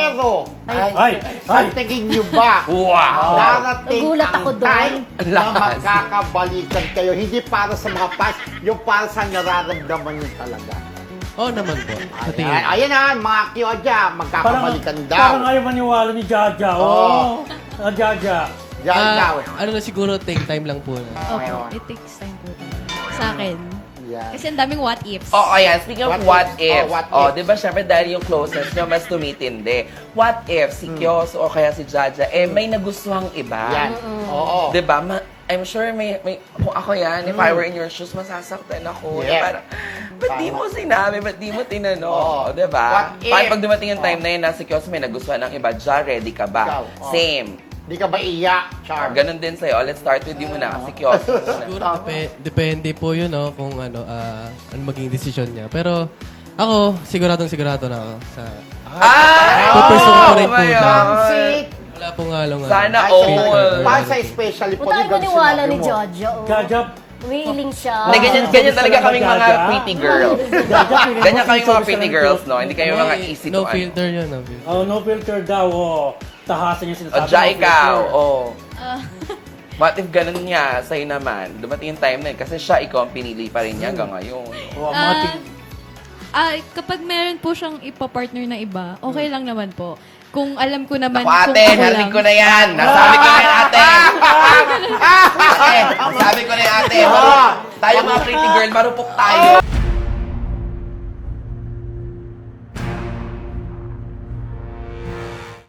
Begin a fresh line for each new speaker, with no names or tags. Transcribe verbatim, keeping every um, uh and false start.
Pero,
Ay,
ay,
ay.
sa tingin niyo ba,
Wow!
darating
Nagulat
ang
ako doon.
time na
Lakas.
magkakabalikan kayo. Hindi para sa mga fans, yung para sa nararamdaman niyo talaga.
Oo naman po. Sa tingin.
Ayan, ayan na, mga Kyoja, magkakabalikan daw.
Parang ayaw maniwala ni Jaja. Oo.
Oo.
Ah, Jaja.
Yan daw.
Ah, ano na siguro, take time lang po na.
Ngayon.
Opo, it takes time po. Sa akin.
Yan.
Kasi ang daming what ifs.
Oh, ayan. Speaking of
What
what,
if?
if,
Oh, what
oh,
if?
di ba syempre dahil yung closeness nyo mas tumitindi. What if si Kyoso o kaya si Jaja, eh may nagustuhang iba?
Yan. Oo.
Di ba? Ma- I'm sure may, may, kung ako yan, if I were in your shoes, masasaktan ako.
Yeah.
Eh, parang, ba't di mo sinabi? Ba't di mo tinanong?
Oo.
Di ba?
What if?
Paano pag dumating yung time
Oo.
na yun, nasa Kyoso may nagustuhan ng iba, Ja, ready ka ba?
Ikaw, oo.
Same.
Di ka ba iyak, Char?
Ganon din sa'yo. Let's start with you muna, kasi Kyoso.
Siguro depe- depende po yun, no, kung ano, ah, ano maging desisyon niya. Pero ako, siguradong sigurado na ako sa...
Ah!
Pupursue ko rin po
my
na.
God.
Pansit!
Wala pong halong... ano,
Sana
Ay,
all.
sa- Para sa especially po.
Huwag tayo
di ba
maniwala
sinabi
ni
mo?
Jaja. Oh.
Jaja.
Willing siya.
Hindi, ganyan,
Ah,
ganyan
gusto
talaga
lang
kaming
ba,
mga
Jaja?
pretty girls. Ganyan kaming mga pretty girls, no? Hindi kayo mga easy
no
to ano.
filter yun, no filter.
Oh, no filter daw. Oh. Tahasan niya
O,
sinasabi.
Ja,
no
ikaw.
filter.
Oh. What if ganun niya sa'yo naman? Dumating yung time na yun. Kasi siya, ikaw ang pinili pa rin niya hanggang ngayon.
Oh,
Ah,
matik.
ah, kapag meron po siyang ipapartner na iba, okay lang naman po. Kung alam ko naman
Ako
kung
ate,
ako
narinig
lang.
ko na yan. Nasabi ko na yan ate. Ate, nasabi ko na yan ate. Tayo mga pretty girl, marupok tayo.